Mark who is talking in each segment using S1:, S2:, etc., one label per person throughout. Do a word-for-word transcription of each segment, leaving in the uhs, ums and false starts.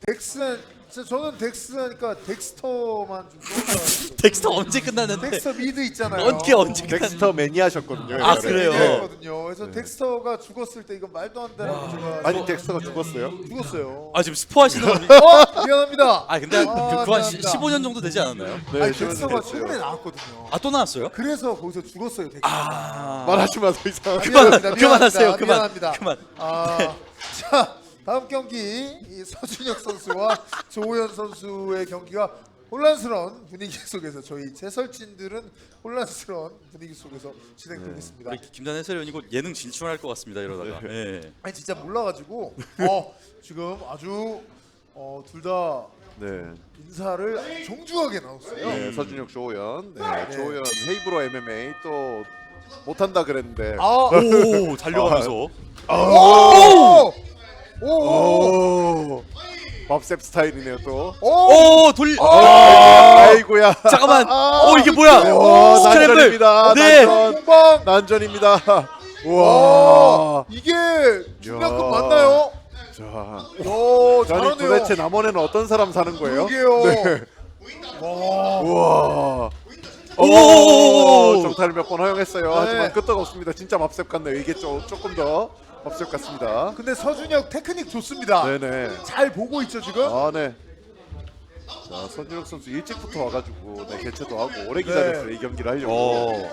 S1: 덱스 저는 덱스 하니까 덱스터만 좀 떠올라요.
S2: 덱스터 언제 끝났는데?
S1: 덱스터 미드 있잖아요.
S2: 언제 언제 끝났?
S3: 덱스터 매니아셨거든요.
S2: 아,
S3: 옛날에.
S2: 그래요?
S3: 네.
S1: 거든요. 그래서 덱스터가 죽었을 때 이건 말도 안 되는 문제가
S3: 아니 덱스터가 죽었어요?
S1: 죽었어요.
S2: 아 지금 스포하시는 겁니까?
S1: 어 미안합니다.
S2: 아 근데
S1: 아,
S2: 그, 그한
S1: 미안합니다.
S2: 십오 년 정도 되지 않았나요?
S3: 네,
S1: 아니
S3: 저는
S1: 덱스터가
S3: 됐어요.
S1: 최근에 나왔거든요.
S2: 아 또 나왔어요?
S1: 그래서 거기서 죽었어요. 덱스터.
S2: 아
S3: 말하지 마세요 이상.
S2: 그만
S1: 미안합니다.
S2: 그만하세요.
S1: 미안합니다.
S2: 그만
S1: 미안합니다.
S2: 그만.
S1: 아, 자 다음 경기 이 서준혁 선수와 조호연 선수의 경기가 혼란스러운 분위기 속에서 저희 재설진들은 혼란스러운 분위기 속에서 진행되겠습니다.
S2: 우리 김단 해설위원이 곧 예능 진출할 것 같습니다. 이러다가. 네.
S1: 아니 진짜 몰라가지고 어, 지금 아주 어, 둘 다
S3: 네.
S1: 인사를 아주 정중하게 나눴어요.
S3: 네, 서준혁 조호연. 네,
S1: 네.
S3: 조호연 헤이브로 엠엠에이 또 못한다 그랬는데.
S1: 아,
S2: 오 달려가면서.
S1: 오! 오! 오!
S3: 오. 밥셉 스타일이네요 또.
S1: 오!
S2: 오 돌.
S3: 아이고야.
S2: 잠깐만.
S1: 아,
S2: 오 이게 뭐야?
S3: 오,
S2: 스크램블.
S3: 난전입니다.
S2: 네.
S3: 난전.
S1: 공방.
S3: 난전입니다.
S1: 와,
S3: 와.
S1: 이게 중량급
S3: 야.
S1: 맞나요?
S3: 자.
S1: 야,
S3: 아니
S1: 잘하네요.
S3: 도대체 남원에는 어떤 사람 사는 거예요?
S1: 그러게요.
S3: 네.
S1: 와.
S3: 우와.
S2: 오!
S3: 오, 정타를 몇 번 허용했어요.
S1: 네.
S3: 하지만 끄떡없습니다. 진짜 맙셉 같네요. 이게 좀 조금 더 맙셉 같습니다.
S1: 근데 서준혁 테크닉 좋습니다.
S3: 네네.
S1: 잘 보고 있죠 지금?
S3: 아 네. 자 서준혁 선수 일찍부터 와가지고 네, 개최도 하고 오래 기다렸어요. 이 경기를 하려고.
S2: 오.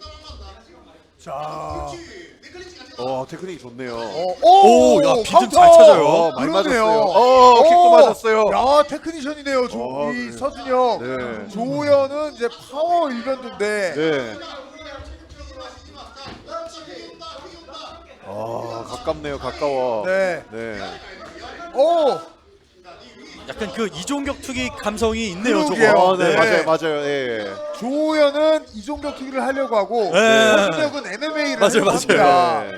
S1: 자,
S3: 어 테크닉이 좋네요.
S1: 어,
S2: 오, 야, 비듬
S1: 카운터!
S2: 잘 찾아요.
S3: 어, 많이
S1: 그러네요.
S3: 맞았어요. 어, 킥도 맞았어요.
S1: 야, 테크니션이네요. 조,
S3: 어,
S1: 이
S3: 네.
S1: 서준혁.
S3: 네.
S1: 조호연은 이제 파워 일변도인데.
S3: 네. 아 가깝네요. 가까워.
S1: 네.
S3: 네.
S1: 오,
S2: 약간 그 이종격 투기 감성이 있네요.
S1: 그러게요.
S2: 저거.
S3: 어, 네,
S1: 네.
S3: 맞아요, 맞아요. 예.
S1: 조호연은 이종격 투기를 하려고 하고
S2: 네.
S1: 서준혁은 엠엠에이를
S2: 맞아요,
S1: 하려고 합니다.
S3: 네.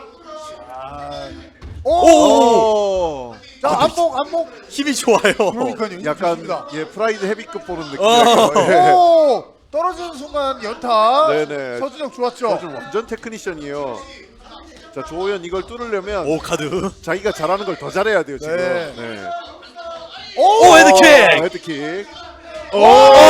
S1: 오,
S3: 오.
S1: 자 안목 안목.
S2: 힘이 좋아요.
S1: 그러니까요. 이거
S3: 약간
S1: 좋습니다.
S3: 예 프라이드 헤비급 보는 느낌.
S2: 어.
S3: 예.
S1: 오, 떨어지는 순간 연타.
S3: 네네.
S1: 서준혁 좋았죠.
S3: 서준 완전 테크니션이에요. 자 조호연 이걸 뚫으려면
S2: 오 카드.
S3: 자기가 잘하는 걸 더 잘해야 돼요 지금.
S1: 네.
S3: 네.
S2: 오 헤드킥.
S3: 어, 헤드킥. 오.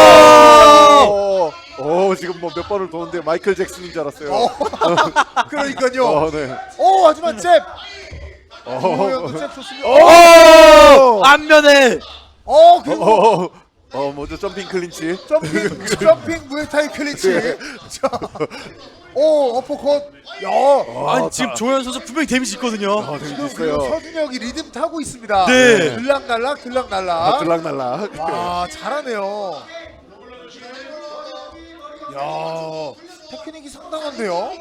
S3: 오 지금 뭐 몇 번을 도는데 마이클 잭슨인 줄 알았어요.
S1: 어, 그러니까요.
S3: 어, 네.
S1: 오, 하지만 잽.
S3: 어.
S1: 조호연도 잽 좋습니다.
S2: 오 안면에.
S1: 어, 그리고
S3: 어. 어 먼저 점핑 클린치.
S1: 점핑 점핑 무에타이 클린치. 자, 오 어퍼컷. 야,
S2: 아니 지금 조현 선수 분명히 데미지 있거든요.
S3: 아,
S1: 지금
S3: 재밌어요.
S1: 그리고 서준혁이 리듬 타고 있습니다.
S2: 네.
S1: 들락날락
S3: 아,
S1: 들락날락.
S3: 들락날락.
S1: 와, 잘하네요. 야, 테크닉이 상당한데요.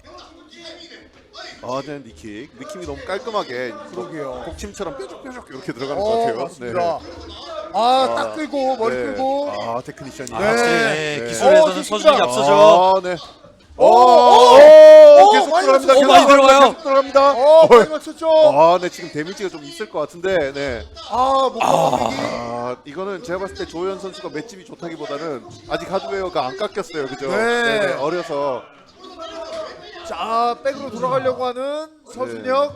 S3: 아, 네, 니킥. 느낌이 너무 깔끔하게.
S1: 그러게요.
S3: 복침처럼 뾰족뾰족 이렇게 들어가는 것
S1: 어,
S3: 같아요.
S1: 맞습니다. 아, 딱 끌고 머리
S3: 네.
S1: 끌고.
S3: 아, 테크니션이.
S2: 아,
S1: 네.
S2: 확실히
S3: 네.
S2: 네, 기술에서는
S1: 어,
S2: 서준이
S1: 좋습니다.
S2: 앞서죠.
S3: 아, 네.
S1: 오,
S3: 오,
S1: 오,
S3: 오,
S1: 오,
S3: 계속
S1: 많이
S3: 들어갑니다.
S1: 맞췄어요.
S3: 계속
S2: 많이 들어가요.
S3: 계속 들어갑니다.
S1: 어, 많이 맞췄죠.
S3: 아, 네, 지금 데미지가 좀 있을 것 같은데, 네.
S1: 아, 목감기.
S3: 아, 이거는 제가 봤을 때 조현 선수가 맷집이 좋다기보다는 아직 하드웨어가 안 깎였어요, 그죠?
S1: 네.
S3: 네, 어려서.
S1: 자, 백으로 돌아가려고 하는 서준혁.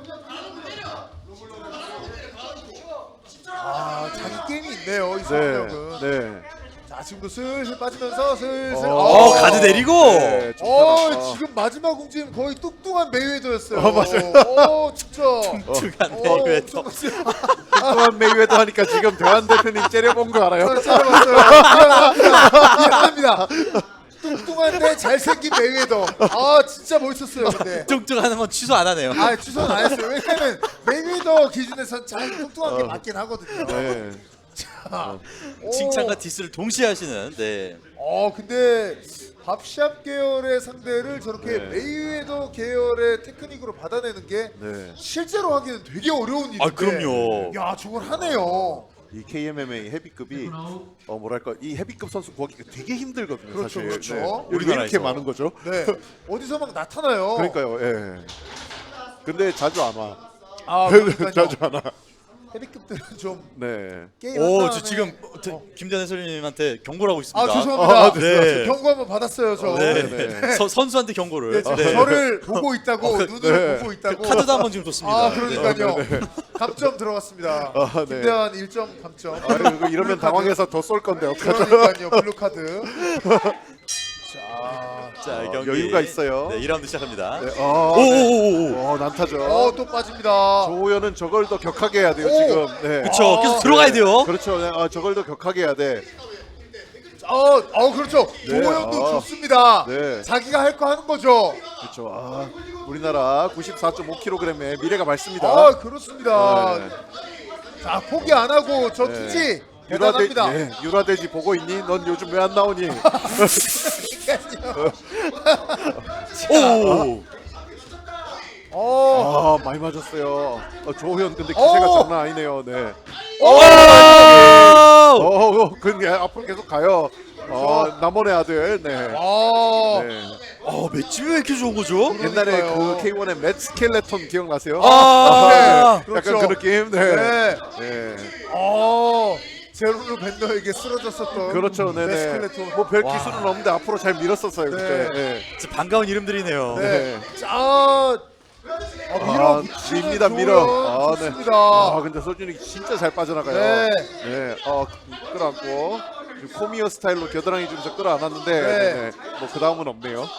S1: 아, 자기 게임이 있네요, 이
S3: 네,
S1: 서준혁은.
S3: 네.
S1: 자, 지금도 슬슬 빠지면서 슬슬.
S2: 어 가드 내리고.
S3: 네, 좀
S1: 어,
S3: 편하다.
S1: 지금 마지막 움직임 거의 뚱뚱한 메이웨더였어요.
S3: 어, 맞아요.
S1: 어, 진짜.
S2: 뚱뚱한
S1: 어,
S2: 메이웨더.
S1: 엄청
S3: 또한 메이웨더 하니까 지금 대한 대표님 째려본 거 알아요?
S1: 잘해봤어요. 미안합니다. 미안합니다. 뚱뚱한데 잘생긴 메이웨더. 아, 진짜 멋있었어요, 근데.
S2: 뚱뚱하는 건 취소 안 하네요.
S1: 아, 취소는 안 했어요. 왜냐면 메이웨더 기준에선 잘 뚱뚱한 게 맞긴 하거든요.
S3: 네.
S1: 자, 오.
S2: 칭찬과 디스를 동시에 하시는. 네.
S1: 어, 근데 밥샵 계열의 상대를 저렇게
S3: 네.
S1: 메이웨더 계열의 테크닉으로 받아내는 게
S3: 네.
S1: 실제로 하기는 되게 어려운 일인데.
S2: 아 그럼요.
S1: 야, 저걸 하네요.
S3: 이 케이엠엠에이 헤비급이 어 뭐랄까 이 헤비급 선수 구하기가 되게 힘들거든요.
S1: 그렇죠,
S3: 사실.
S1: 그렇죠.
S3: 네. 여기 왜
S2: 우리나라에서.
S3: 이렇게 많은 거죠?
S1: 네. 어디서 막 나타나요.
S3: 그러니까요. 예. 근데 자주 안 와.
S1: 아, 그러니까요.
S3: 자주 안 와.
S1: 헤비급들은 좀
S3: 네.
S1: 게임
S2: 오,
S1: 한
S2: 저
S1: 다음에-
S2: 지금
S1: 어.
S2: 김전 해설님한테 경고를 하고 있습니다.
S1: 아, 죄송합니다.
S3: 아,
S2: 네.
S1: 경고 한번 받았어요, 저.
S2: 네.
S3: 네.
S2: 서, 선수한테 경고를.
S1: 네, 지금
S2: 네.
S1: 저를 보고 있다고, 눈을
S3: 네.
S1: 보고 있다고.
S2: 카드도 한번 지금 줬습니다.
S1: 아, 그러니까요. 감점 들어갔습니다.
S3: 아, 네.
S1: 김대환 일 점 감점.
S3: 아유, 이러면 당황해서 더 쏠 건데 어떡하죠?
S1: 그러니까요. 블루 카드. 자,
S2: 자, 이
S3: 어,
S2: 경기
S3: 여유가 있어요.
S2: 네, 이 라운드 시작합니다.
S3: 네, 어, 네.
S2: 오오오오.
S3: 어, 난타죠.
S1: 어, 또 빠집니다.
S3: 조호연은 저걸 더 격하게 해야 돼요
S1: 오!
S3: 지금. 네.
S2: 그렇죠.
S1: 아,
S2: 계속 들어가야 돼요.
S3: 그렇죠. 네. 아, 저걸 더 격하게 해야 돼.
S1: 어, 어 그렇죠.
S3: 네,
S1: 조호연도
S3: 아.
S1: 좋습니다.
S3: 네.
S1: 자기가 할 거 하는 거죠.
S3: 그렇죠. 아, 우리나라 구십사 점 오 킬로그램의 미래가 밝습니다.
S1: 아, 그렇습니다.
S3: 네.
S1: 자, 포기 안 하고 저
S3: 네.
S1: 투지
S3: 유라돼,
S1: 대단합니다.
S3: 예, 유라돼지 보고 있니? 넌 요즘 왜 안 나오니?
S2: 오.
S1: 어,
S3: 아, 많이 맞았어요. 어, 조호연 근데 기세가
S1: 어.
S3: 장난 아니네요. 네.
S2: 오.
S3: 어, 근데 앞으로 계속 가요. 어, 남원의 아들. 네.
S1: 아,
S3: 네.
S2: 어, 맷집이 왜 이렇게 좋은 거죠?
S3: 옛날에
S1: 그러니까요.
S3: 그 케이 원의 맷 스켈레톤 기억나세요?
S2: 아.
S1: 네,
S3: 약간
S1: 그렇죠.
S3: 그 느낌. 네.
S1: 네.
S3: 네.
S1: 어, 제로르 밴더에게 쓰러졌었던
S3: 그렇죠. 네네.
S1: 메스클레톤.
S3: 뭐 별
S2: 와.
S3: 기술은 없는데 앞으로 잘 밀었었어요. 그때. 네.
S2: 진짜 반가운 이름들이네요.
S1: 네.
S3: 네.
S1: 자, 어, 밀어
S3: 아,
S1: 붙이는
S3: 밀니다, 밀어.
S1: 조연
S3: 아, 네.
S1: 좋습니다.
S3: 아, 근데 서준이 진짜 잘 빠져나가요.
S1: 네.
S3: 네. 어, 끌어안고 지금 코미어 스타일로 겨드랑이 주면서 끌어안았는데
S1: 네.
S3: 네. 네. 뭐그 다음은 없네요.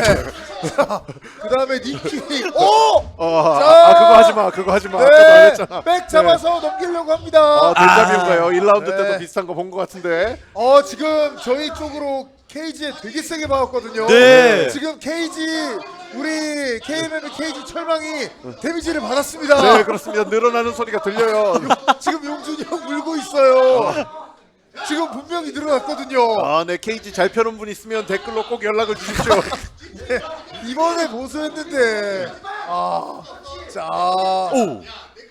S1: 그 다음에 니키. 오!
S3: 어,
S1: 자.
S3: 아, 그거 하지 마. 그거 하지 마. 아까도 안
S1: 네,
S3: 했잖아.
S1: 백 잡아서 넘기려고 합니다.
S3: 아, 델자비인가요? 일 라운드
S1: 네.
S3: 때도 비슷한 거 본 것 같은데.
S1: 어, 지금 저희 쪽으로 케이지에 되게 세게 박았거든요.
S2: 네.
S1: 지금 케이지 우리 케이엠엠의 케이지 철망이 데미지를 받았습니다.
S3: 네, 그렇습니다. 늘어나는 소리가 들려요.
S1: 지금 용준이 형 울고 있어요. 지금 분명히 늘어났거든요.
S3: 아, 네. 케이지 잘 펴는 분 있으면 댓글로 꼭 연락을 주십시오.
S1: 네, 이번에 보수했는데 아, 자
S2: 오.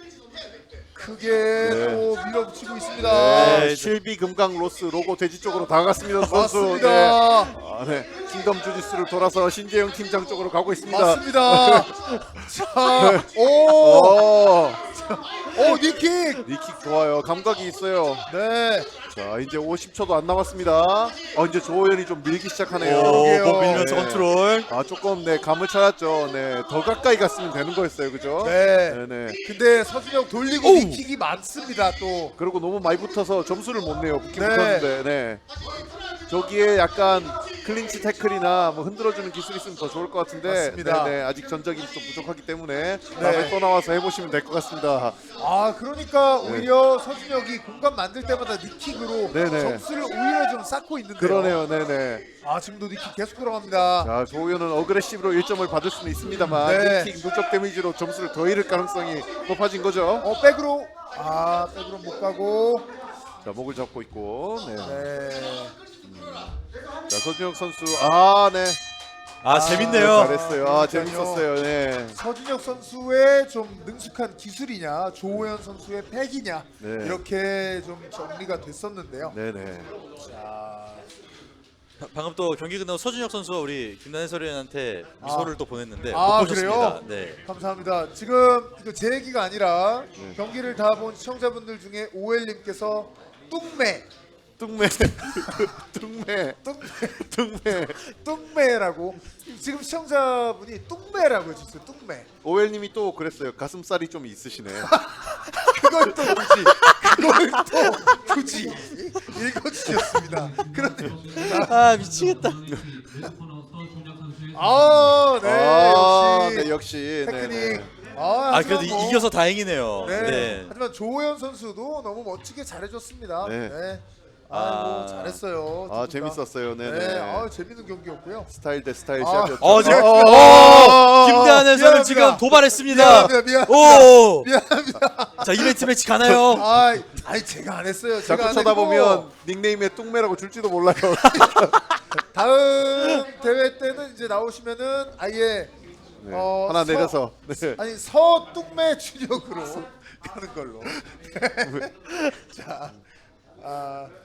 S1: 크게
S3: 네.
S1: 또 밀어붙이고 있습니다.
S3: 네, 실비 금강 로스 로고 돼지 쪽으로 다가갔습니다. 선수.
S1: 맞습니다.
S3: 네. 아, 네. 킹덤 주짓수를 돌아서 신재영 팀장 쪽으로 가고 있습니다.
S1: 맞습니다. 자, 오,
S3: 오,
S1: 오, 니킥.
S3: 니킥 좋아요. 감각이 있어요.
S1: 네,
S3: 자, 이제 오십 초도 안 남았습니다. 어, 이제 조호연이 좀 밀기 시작하네요.
S2: 오,
S1: 그러게요.
S2: 몸 밀면서
S3: 네.
S2: 컨트롤.
S3: 아, 조금 네 감을 찾았죠. 네, 더 가까이 갔으면 되는 거였어요, 그죠?
S1: 네.
S3: 네, 네.
S1: 근데 서준영 돌리고
S2: 오.
S1: 니킥이 많습니다. 또
S3: 그리고 너무 많이 붙어서 점수를 못 내요. 붙긴
S1: 네.
S3: 붙었는데, 네. 저기에 약간 클린치 태클이나 뭐 흔들어주는 기술이 있으면 더 좋을 것 같은데,
S1: 맞습니다.
S3: 네, 네. 아직 전적이 좀 부족하기 때문에 다음에 또 나와서 해보시면 될 것 같습니다.
S1: 아 그러니까 오히려 서준혁이 공간 만들 때마다 니킥으로
S3: 네네.
S1: 점수를 오히려 좀 쌓고 있는데요.
S3: 그러네요, 네, 네.
S1: 아 지금도 니킥 계속 들어갑니다.
S3: 자, 조호연은 어그레시브로 일 점을 받을 수는 있습니다만
S1: 네.
S3: 니킥 누적 데미지로 점수를 더 잃을 가능성이 높아진 거죠.
S1: 어 백으로 아 백으로 못 가고
S3: 자, 목을 잡고 있고, 네.
S1: 네.
S3: 자, 서준혁 선수, 아, 네.
S2: 아, 재밌네요.
S3: 잘했어요. 아,
S1: 그러니까요.
S3: 재밌었어요. 네.
S1: 서준혁 선수의 좀 능숙한 기술이냐 조호연 선수의 패기냐
S3: 네.
S1: 이렇게 좀 정리가 됐었는데요.
S3: 네, 네.
S1: 자,
S2: 방금 또 경기 끝나고 서준혁 선수가 우리 김단 해설위원한테 미소를 또 보냈는데
S1: 아,
S2: 못 보셨습니다.
S1: 그래요?
S2: 네.
S1: 감사합니다. 지금 이거 제 얘기가 아니라
S3: 네.
S1: 경기를 다 본 시청자분들 중에 오엘님께서 뚱매
S3: 뚱매. 뚱매. 뚱매.
S1: 뚱매라고 지금 시청자분이 뚱매라고 해주셨어요. 뚱매.
S3: 오웰님이 또 그랬어요. 가슴살이 좀 있으시네.
S1: 그걸 또 굳이 그걸 또 굳이 읽어주셨습니다. 그런데
S2: 아, 미치겠다.
S1: 아, 네,
S3: 아,
S1: 역시
S3: 네, 역시.
S1: 테크닉.
S3: 네, 네.
S1: 아,
S2: 아, 그래도
S1: 하지만 뭐,
S2: 이겨서 다행이네요.
S1: 네.
S2: 네.
S1: 하지만 조호연 선수도 너무 멋지게 잘해줬습니다.
S3: 네.
S1: 네. 아이고
S2: 아.
S1: 잘했어요.
S3: 아,
S1: 두 분 다.
S3: 재밌었어요. 네,
S1: 네,
S3: 네.
S1: 아 재밌는 경기였고요.
S3: 스타일 대 스타일
S1: 아.
S3: 시합이었죠.
S2: 어, 지금
S3: 어,
S2: 어, 김대한 해설을
S1: 미안합니다.
S2: 지금 도발했습니다.
S1: 미안합니다, 미안합니다.
S2: 오.
S1: 미안합니다.
S2: 자, 이벤트 매치 가나요?
S1: 아, 아니 제가 안 했어요. 제가
S3: 자꾸
S1: 안
S3: 쳐다보면
S1: 했고,
S3: 닉네임에 뚱매라고 줄지도 몰라요.
S1: 다음 대회 때는 이제 나오시면은 아예
S3: 네,
S1: 어,
S3: 하나
S1: 서-
S3: 내려서. 네.
S1: 아니 서뚱매 준역으로 가는 걸로. 자, 아,